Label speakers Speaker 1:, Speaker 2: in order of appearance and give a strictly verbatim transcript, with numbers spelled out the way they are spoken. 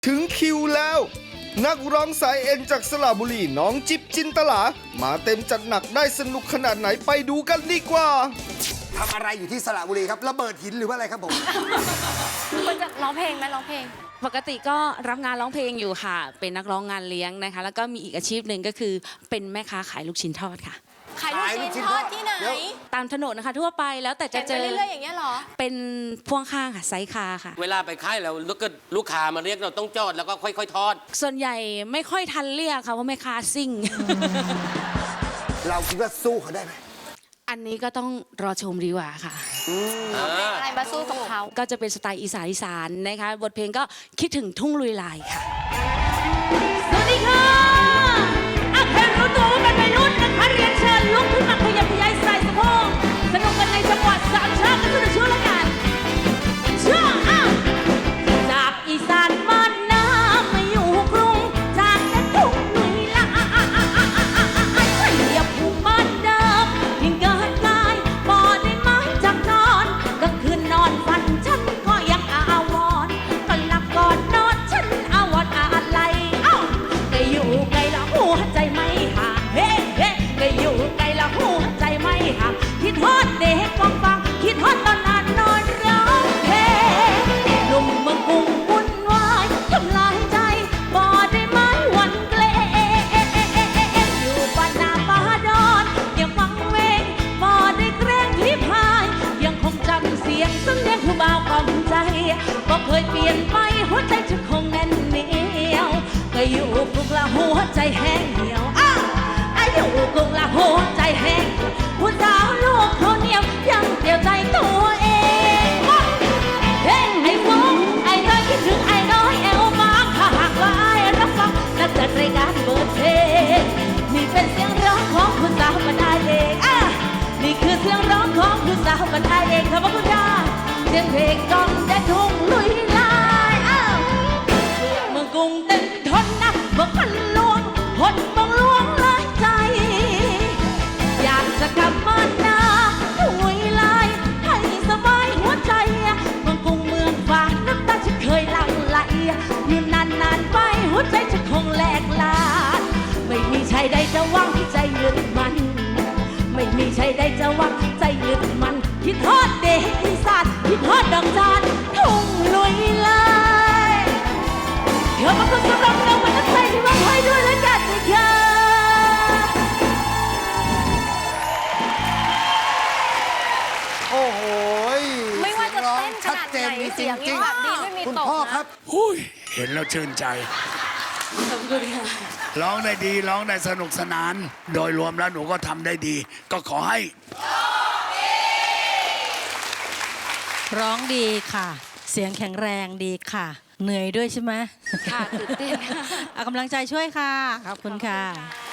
Speaker 1: ถึงคิวแล้วนักร้องสายเอ็นจากสระบุรีน้องจิ๊บจินตลามาเต็มจัดหนักได้สนุกขนาดไหนไปดูกันดีกว่า
Speaker 2: ทำอะไรอยู่ที่สระบุรีครับระเบิดหินหรือว่าอะไรครับผม
Speaker 3: ควรจะร้องเพลงไหมร้องเพลง
Speaker 4: ปกติก็รับงานร้องเพลงอยู่ค่ะเป็นนักร้องงานเลี้ยงนะคะแล้วก็มีอีกอาชีพหนึ่งก็คือเป็นแม่ค้าขายลูกชิ้นทอดค่ะ
Speaker 3: ขายลูกชิ้นทอดที่ไหน
Speaker 4: ตามถนนนะคะทั่วไปแล้วแต่จะเจอ
Speaker 3: เรื่อยๆอย่างเงี้ยหรอ
Speaker 4: เป็นพ่วงข้างค่ะไซส์คาค่ะ
Speaker 5: เวลาไปค่ายแล้วลูกก็ลูกค้ามาเรียกเราต้องจอดแล้วก็ค่อยๆทอด
Speaker 4: ส่วนใหญ่ไม่ค่อยทันเรียกค่ะเพราะแม่ค้าซิ่ง
Speaker 2: เราคิดว่าสู้เขาได้ไหม
Speaker 4: อันนี้ก็ต้องรอชมดีกว่าค่ะ
Speaker 3: อะไรมาสู้กับเขา
Speaker 4: ก็จะเป็นสไตล์อีสานอีสานนะคะบทเพลงก็คิดถึงทุ่งลุยลายค่ะ
Speaker 6: สวัสดีค่ะอาแค่รู้ตัวว่าเป็นวัยรุ่นนะคะเรียนเชิญลุกขึ้นมาขยับขยายใส่สะโพกสนุกกันในจังหวัดสามชาติกันทุกช่วงละกันช่วงอ้าวจากอีสานบ้านนามาอยู่กรุงจากแต่ทุ่งลุยลายขยับภูมิบ้านเดิมยิ่งเกิดกายบ่ได้มาจากนอนก็คืนนอนฝันฉันก็ยังอาวรณ์ก็หลับก่อนนอนฉันอาวรณ์อะไรอ้าวก็อยู่ไกลละหัวใจไม่ห่างเฮ้เฮ้ก็อยู่ไกลละหัวใจไม่ห่างคิดฮอดเด็กกองฟังคิดฮอดตอนนานนอนร้องเพลงหนุ่มเมืองกรุงวุ่นวายทำลายใจบ่ได้ไม้วันเกลอยู่บ้านนาป่าดอนยังฟังเวงบ่ได้เกรงที่พายยังคงจำเสียงซึ่งเรียกผู้บ่าวกล่อมใจบ่เคยเปลี่ยนไปหัวใจฉันคงแน่นเหนียวก็อยู่กรุงละหัวใจแห้งเหี่ยวอ้าวอายุกรุงละหัวใจแห้งผู้สาวลูกเขาเหนียวยังเดียวใจตัวเองเฮ้ไอ้ฟงไอ้น้อยคิดถึงไอ้น้อยแอวบางถ้าหากว่าไอ้รับฟังนักจัดรายการเปิดเพลงนี่เป็นเสียงร้องของผู้สาวบรรดาเด็กอ่ะนี่คือเสียงร้องของผู้สาวบรรดาเด็กขอบคุณค่ะเสียงเพลงกล่อมแต่ทุ่งลุยลายอ้าวเมืองกรุงเต็มทนนะเมืองพันลวงทนมองลวงเลยใจอยากจะกลับบ้านนาทุ่งลุยลายให้สบายหัวใจเมืองกรุงเมืองฟ้าน้ำตาฉันเคยหลั่งไหลอยู่นานๆไปหัวใจฉันคงแหลกลานไม่มีชายใดจะหวังใจยึดมันไม่มีชายใดจะหวังใจยึดมันคิดทอดเด็กอีสานคิดทอดดอกจานทุ่งลุยลายเธอมาคนสำหรับเรามันต้องใจที่มาให้ด้วยแล้วกันนะคะ
Speaker 2: โอ้โห
Speaker 3: ไม่ว่าจะเต้นข
Speaker 2: ชัด
Speaker 3: นาด
Speaker 2: เจ
Speaker 3: ไห
Speaker 2: น
Speaker 3: น
Speaker 2: จ
Speaker 3: เสียง
Speaker 2: ริ
Speaker 3: ยัง
Speaker 2: ง
Speaker 3: แบบดีไม่มี
Speaker 2: ๆคุณ
Speaker 3: ตก
Speaker 2: พ่อครั
Speaker 3: นะ
Speaker 2: บ
Speaker 7: อุ้ยเห็นแล้วชื่นใจ
Speaker 4: ขอบคุณค่ะ
Speaker 7: ร้องได้ดีร้องได้สนุกสนาน โดยรวมแล้วหนูก็ทำได้ดี ก็ขอให้
Speaker 8: ร้องดีค่ะ เสียงแข็งแรงดีค่ะ เหนื่อยด้วยใช่ไหม
Speaker 4: ค่ะตื่นเต้นค่ะ
Speaker 8: เอากำลังใจช่วยค่ะ ขอบคุณค่ะ